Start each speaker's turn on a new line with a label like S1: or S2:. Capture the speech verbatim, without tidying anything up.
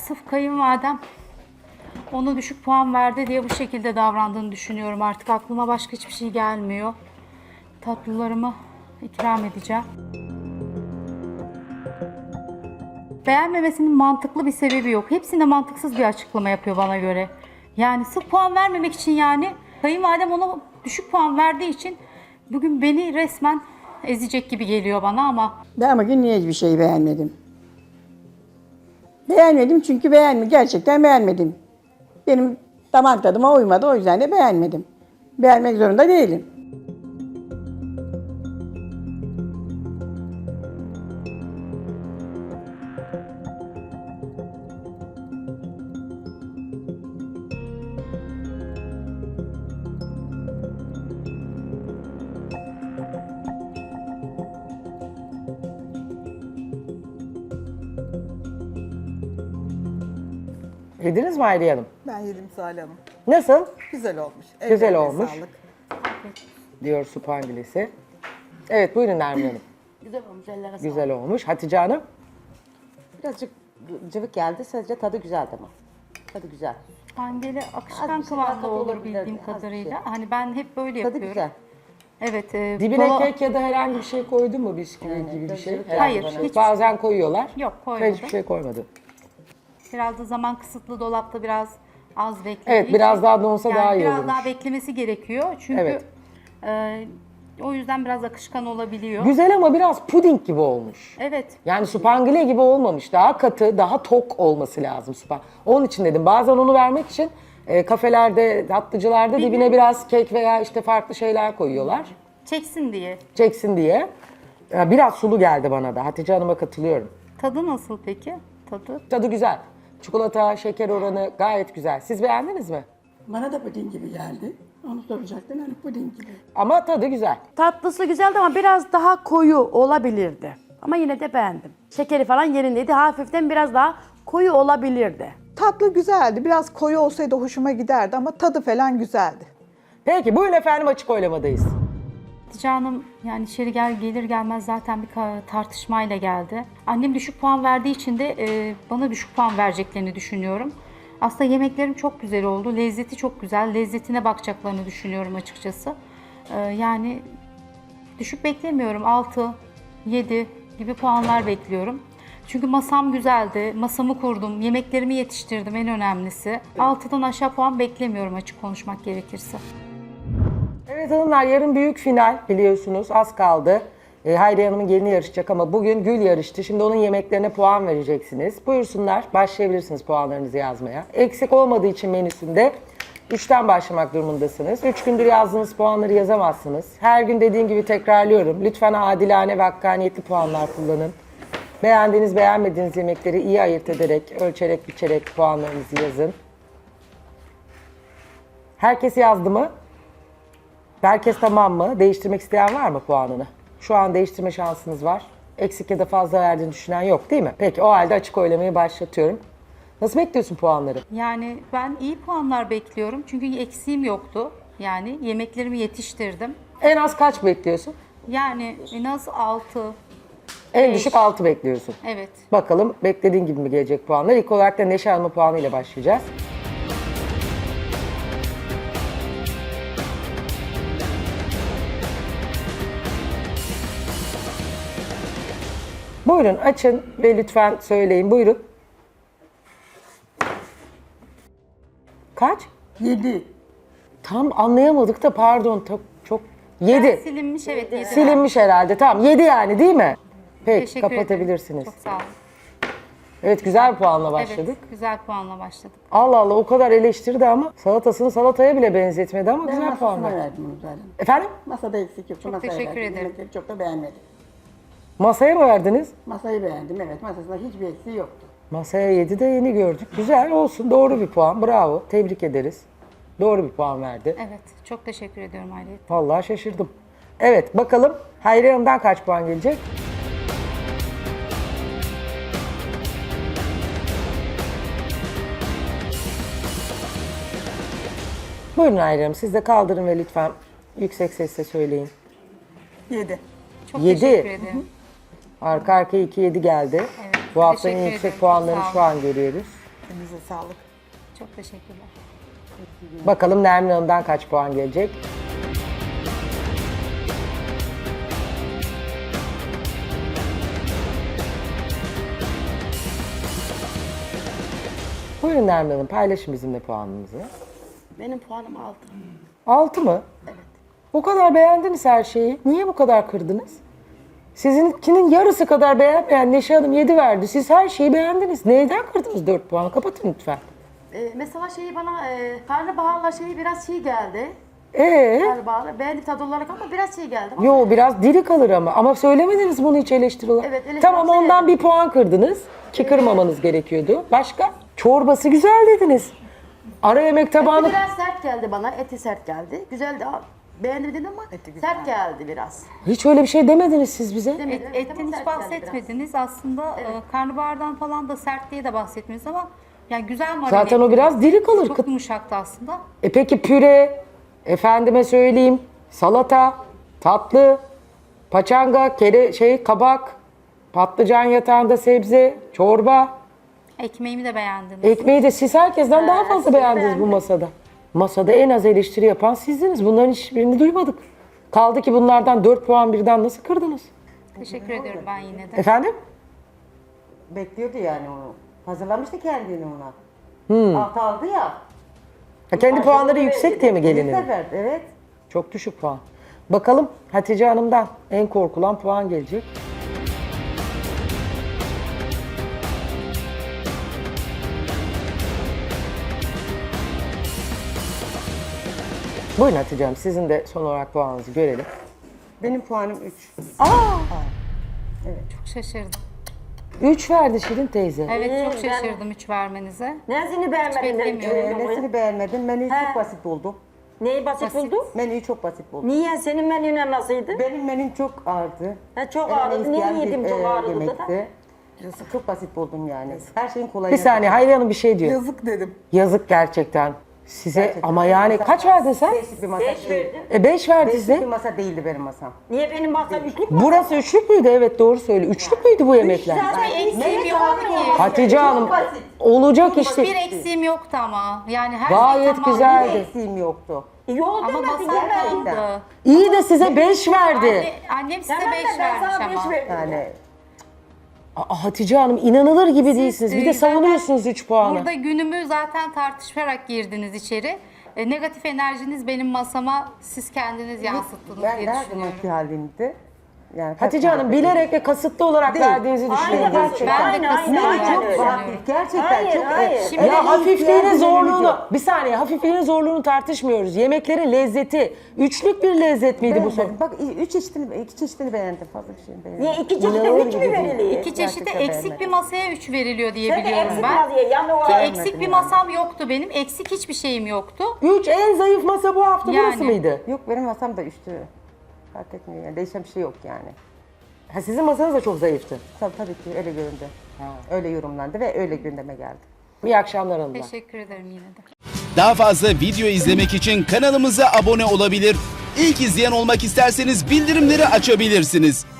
S1: sırf kayınvalidem ona düşük puan verdi diye bu şekilde davrandığını düşünüyorum. Artık aklıma başka hiçbir şey gelmiyor. Tatlılarımı ikram edeceğim. Beğenmemesinin mantıklı bir sebebi yok. Hepsinde mantıksız bir açıklama yapıyor bana göre. Yani sırf puan vermemek için yani kayınvalidem ona düşük puan verdiği için bugün beni resmen ezecek gibi geliyor bana ama
S2: Ben bugün niye hiçbir şeyi beğenmedim? Beğenmedim çünkü beğenmedim. Gerçekten beğenmedim. Benim damak tadıma uymadı. O yüzden de beğenmedim. Beğenmek zorunda değilim.
S3: Yediniz mi Hayriye Hanım?
S4: Ben yedim Salih Hanım.
S3: Nasıl?
S4: Güzel olmuş.
S3: Güzel
S4: Ellerine
S3: olmuş.
S4: Sağlık.
S3: Diyor supangilesi. Evet buyurun Nermin Hanım.
S5: Güzel olmuş, ellerine sağlık.
S3: Güzel olmuş. Hatice Hanım.
S5: Birazcık cıvık geldi, sadece tadı güzeldi ama. Tadı güzel.
S1: hangeli
S5: Az
S1: akışkan
S5: bir şey
S1: kıvamda
S5: daha
S1: olur
S5: olabilirdi,
S1: bildiğim
S5: az bir
S1: kadarıyla.
S5: şey.
S1: Hani ben hep böyle
S5: Tadı
S1: yapıyorum.
S5: güzel.
S1: Evet. E,
S3: Dibine
S1: kola-
S3: kek ya da herhangi bir şey koydu mu bisküvi
S5: Yani
S3: gibi bir
S5: biraz
S3: şey?
S5: cıvık
S3: Herhangi
S1: Hayır,
S3: bir şey.
S1: hiç-
S3: Bazen koyuyorlar.
S1: Yok,
S3: Ben
S1: koymadım.
S3: hiçbir şey koymadım.
S1: Biraz da zaman kısıtlı, dolapta biraz az beklediği
S3: Evet, biraz
S1: için-
S3: daha donsa
S1: yani
S3: daha iyi
S1: biraz
S3: olurmuş.
S1: daha beklemesi gerekiyor. Çünkü
S3: Evet.
S1: e, o yüzden biraz akışkan olabiliyor.
S3: Güzel ama biraz puding gibi olmuş.
S1: Evet.
S3: Yani supangile gibi olmamış. Daha katı, daha tok olması lazım supa. Onun için dedim. Bazen onu vermek için e, kafelerde, tatlıcılarda dibine biraz kek veya işte farklı şeyler koyuyorlar.
S1: Çeksin diye.
S3: Çeksin diye. Ya biraz sulu geldi bana da. Hatice Hanım'a katılıyorum.
S1: Tadı nasıl peki? Tadı.
S3: Tadı güzel. Çikolata, şeker oranı gayet güzel. Siz beğendiniz mi?
S2: Bana da puding gibi geldi. Onu soracaktım. Hani puding gibi.
S3: Ama tadı güzel.
S6: Tatlısı güzeldi ama biraz daha koyu olabilirdi. Ama yine de beğendim. Şekeri falan yerindeydi. Hafiften biraz daha koyu olabilirdi.
S4: Tatlı güzeldi. Biraz koyu olsaydı hoşuma giderdi ama tadı falan güzeldi.
S3: Peki buyurun efendim açık oylamadayız.
S1: Hatice Hanım yani içeri gel, gelir gelmez zaten bir ka- tartışmayla geldi. Annem düşük puan verdiği için de e, bana düşük puan vereceklerini düşünüyorum. Aslında yemeklerim çok güzel oldu. Lezzeti çok güzel. Lezzetine bakacaklarını düşünüyorum açıkçası. E, yani düşük beklemiyorum. altı, yedi gibi puanlar bekliyorum. Çünkü masam güzeldi. Masamı kurdum. Yemeklerimi yetiştirdim en önemlisi. altıdan aşağı puan beklemiyorum açık konuşmak gerekirse.
S3: Evet hanımlar yarın büyük final biliyorsunuz az kaldı. E, Hayriye Hanım'ın gelini yarışacak ama bugün Gül yarıştı. Şimdi onun yemeklerine puan vereceksiniz. Buyursunlar başlayabilirsiniz puanlarınızı yazmaya. Eksik olmadığı için menüsünde üçten başlamak durumundasınız. üç gündür yazdığınız puanları yazamazsınız. Her gün dediğim gibi tekrarlıyorum. Lütfen adilane ve hakkaniyetli puanlar kullanın. Beğendiğiniz beğenmediğiniz yemekleri iyi ayırt ederek, ölçerek, biçerek puanlarınızı yazın. Herkes yazdı mı? Herkes tamam mı? Değiştirmek isteyen var mı puanını? Şu an değiştirme şansınız var. Eksik ya da fazla verdiğini düşünen yok değil mi? Peki o halde açık oylamayı başlatıyorum. Nasıl bekliyorsun puanları?
S1: Yani ben iyi puanlar bekliyorum çünkü eksiğim yoktu. Yani yemeklerimi yetiştirdim.
S3: En az kaç bekliyorsun?
S1: Yani en az altı.
S3: En
S1: Beş.
S3: düşük altı bekliyorsun.
S1: Evet.
S3: Bakalım beklediğin gibi mi gelecek puanlar? İlk olarak da Neşe Hanım'ın puanıyla başlayacağız. Buyurun açın ve lütfen söyleyin. Buyurun. Kaç?
S2: Yedi.
S3: Tam anlayamadık da pardon. Çok, çok. yedi.
S1: Silinmiş evet. yedi.
S3: Silinmiş herhalde. Tamam yedi yani değil mi? Peki
S1: Teşekkür
S3: kapatabilirsiniz.
S1: ederim. Çok sağ olun.
S3: Evet güzel bir puanla başladık.
S1: Evet, güzel puanla başladık.
S3: Allah Allah o kadar eleştirdi ama salatasını salataya bile benzetmedi ama
S2: Ben
S3: güzel puan
S2: masasına
S3: verdi.
S2: verdim onu zaten.
S3: Efendim?
S2: Masada eksik yok.
S1: Çok
S2: Masaya
S1: teşekkür
S2: verdim.
S1: ederim.
S2: Yemekleri çok da beğenmedim.
S3: Masaya mı verdiniz?
S2: Masayı beğendim evet. Masasında hiçbir eksiği yoktu.
S3: Masaya yedi de yeni gördük. Güzel olsun doğru bir puan bravo tebrik ederiz. Doğru bir puan verdi.
S1: Evet, çok teşekkür ediyorum Hayriye.
S3: Vallahi şaşırdım. Evet bakalım Hayriye Hanım'dan kaç puan gelecek? Buyurun Hayriye Hanım siz de kaldırın ve lütfen yüksek sesle söyleyin.
S4: Yedi.
S1: Çok
S3: Yedi.
S1: teşekkür ederim.
S3: Arka arkaya iki yedi geldi.
S1: Evet,
S3: Bu haftanın en
S1: teşekkür
S3: yüksek
S1: ederim.
S3: puanlarını
S1: Sağ
S3: şu an görüyoruz.
S4: Elinize sağlık.
S1: Çok teşekkürler.
S3: Bakalım Nermin Hanım'dan kaç puan gelecek? Buyurun Nermin Hanım, paylaşın bizimle puanınızı.
S6: Benim puanım altı.
S3: Altı mı? Evet. Bu kadar beğendiniz her şeyi. Niye bu kadar kırdınız? Sizinkinin yarısı kadar beğenmeyen Neşe Hanım yedi verdi. Siz her şeyi beğendiniz. Neyden kırdınız dört puanı? Kapatın lütfen.
S6: Ee, mesela şeyi bana e, karnabaharla şeyi biraz şey geldi.
S3: Ee?
S6: Karnabaharla beğendi tadı olarak ama biraz şey geldi. Ama
S3: Yo biraz diri kalır ama. Ama söylemediniz bunu hiç eleştiri olarak.
S6: Evet, eleştiri
S3: Tamam
S6: olarak
S3: ondan
S6: söyledim.
S3: bir puan kırdınız. Ki kırmamanız gerekiyordu. Başka? Çorbası güzel dediniz. Ara yemek tabağını...
S6: Eti biraz sert geldi bana. Eti sert geldi. Güzeldi. Beğendim dedim ama sert geldi biraz.
S3: Hiç öyle bir şey demediniz siz bize.
S6: Demedim.
S1: Et, etten hiç
S6: Sert geldi
S1: bahsetmediniz. Aslında e, karnabahardan falan da sert diye de bahsetmediniz ama yani güzel marine.
S3: Zaten o biraz diri kalır.
S1: Çok yumuşaktı aslında.
S3: E peki püre, efendime söyleyeyim, salata, tatlı, paçanga, kere şey kabak, patlıcan yatağında sebze, çorba,
S1: Ekmeğimi de beğendiniz.
S3: ekmeği de siz herkesten daha fazla beğendiniz bu masada. Masada en az eleştiri yapan sizdiniz. Bunların hiçbirini duymadık. Kaldı ki bunlardan dört puan birden nasıl kırdınız?
S1: Teşekkür ediyorum ben yine de.
S3: Efendim?
S5: Bekliyordu yani onu. Hazırlamıştı kendini ona. Altı aldı ya.
S3: Ha, kendi puanları yüksek diye mi
S5: Bir
S3: gelinin?
S5: sefer, evet.
S3: Çok düşük puan. Bakalım Hatice Hanım'dan en korkulan puan gelecek. Buyurun Hatice Hanım, sizin de son olarak puanınızı görelim.
S5: Benim puanım üç.
S1: Çok şaşırdım.
S3: üç verdi Şirin teyze.
S1: Evet çok şaşırdım üç vermenize.
S7: Nesini beğenmedin?
S1: beklemiyordum.
S5: Ee, nesini beğenmedim? Menüyü
S7: He.
S5: çok basit buldum.
S7: Neyi basit, buldun?
S5: Menüyü çok basit buldum.
S7: Niye? Senin menüne nasıldı?
S5: Benim menüm çok ağırdı.
S7: Ha, çok
S5: Eleme
S7: ağırdı.
S5: isteyen
S7: Niye
S5: bir,
S7: yedim çok
S5: e,
S7: ağırdı da?
S5: yemekti. Çok basit buldum yani. Her şeyin kolayı.
S3: Bir saniye Hayriye Hanım bir şey diyor.
S4: Yazık dedim.
S3: Yazık gerçekten. Size
S5: Gerçekten.
S3: ama yani kaç verdin sen?
S5: Beşlik bir masa
S7: Beş
S5: değil.
S7: verdim.
S3: E beş verdi
S5: Beşlik bir
S3: size.
S5: masa değildi benim masam.
S7: Niye benim masam üçlük mü?
S3: Burası üçlük müydü? Evet doğru söyle. Üçlük müydü bu yemekler?
S7: Zaten
S1: Eksiğim yoktu ki.
S3: Hatice Hanım olacak işte.
S1: Hiçbir eksiğim yoktu ama. Yani her
S3: Gayet
S1: şey tamamdı.
S3: güzeldi.
S5: Eksiğim yoktu.
S7: Yol
S1: Ama
S7: demedin
S1: masam
S7: yemedin.
S1: kaldı.
S3: İyi de size beş verdi.
S1: Anne, annem size
S7: Tamam da
S1: beş
S7: ben
S1: vermiş
S7: sana beş
S1: ama.
S7: verdim.
S5: Yani
S3: Aa, Hatice Hanım inanılır gibi değilsiniz. Bir de
S1: e, zaten
S3: savunuyorsunuz üç puanı.
S1: Burada günümü zaten tartışarak girdiniz içeri. E, negatif enerjiniz benim masama siz kendiniz yansıttınız
S5: ben
S1: diye
S5: her
S1: düşünüyorum.
S5: zamanki halimdi. Yani
S3: Hatice Hanım bilerek ve kasıtlı olarak
S5: Değil.
S3: verdiğinizi düşünüyorum.
S7: Aynen,
S3: gerçekten.
S1: Ben de
S7: aynen,
S1: kasıtlı
S7: aynen,
S1: olarak
S5: çok
S7: öyle.
S5: hafif. Gerçekten
S7: Hayır,
S5: çok.
S7: hayır.
S5: e,
S1: Şimdi-
S3: Ya
S5: öyle
S3: hafifliğinin
S5: ihtiyacımız
S3: zorluğunu,
S5: yok.
S3: bir saniye hafifliğinin zorluğunu tartışmıyoruz. Yemeklerin lezzeti, üçlük bir lezzet miydi bu
S5: Beğenmedim.
S3: soru?
S5: Bak üç çeşitini, iki çeşitini beğendim. Fazla bir şey beğenmedim.
S7: Niye iki çeşit
S5: İnanılır
S7: üç mü
S5: gibi değil.
S7: veriliyor?
S1: İki çeşitte
S5: Gerçekten
S1: eksik bir
S5: beğenmedim.
S1: masaya üç veriliyor diye
S7: Sen de
S1: biliyorum
S7: eksik
S1: ben.
S7: var diye yanı
S1: Ki
S7: var.
S1: eksik bir masam yoktu benim. Eksik hiçbir şeyim yoktu.
S3: Üç en zayıf masa bu hafta
S1: Yani.
S3: burası mıydı?
S5: Yok benim masam da üçtü. Fark etmiyor yani. Değişen bir şey yok yani.
S3: Ha, sizin masanız da çok zayıftı.
S5: Tabii tabii ki öyle göründü. Öyle yorumlandı ve öyle gündeme geldi.
S3: İyi akşamlar hanımlar.
S1: Teşekkür ederim yine de.
S8: Daha fazla video izlemek için kanalımıza abone olabilir. İlk izleyen olmak isterseniz bildirimleri açabilirsiniz.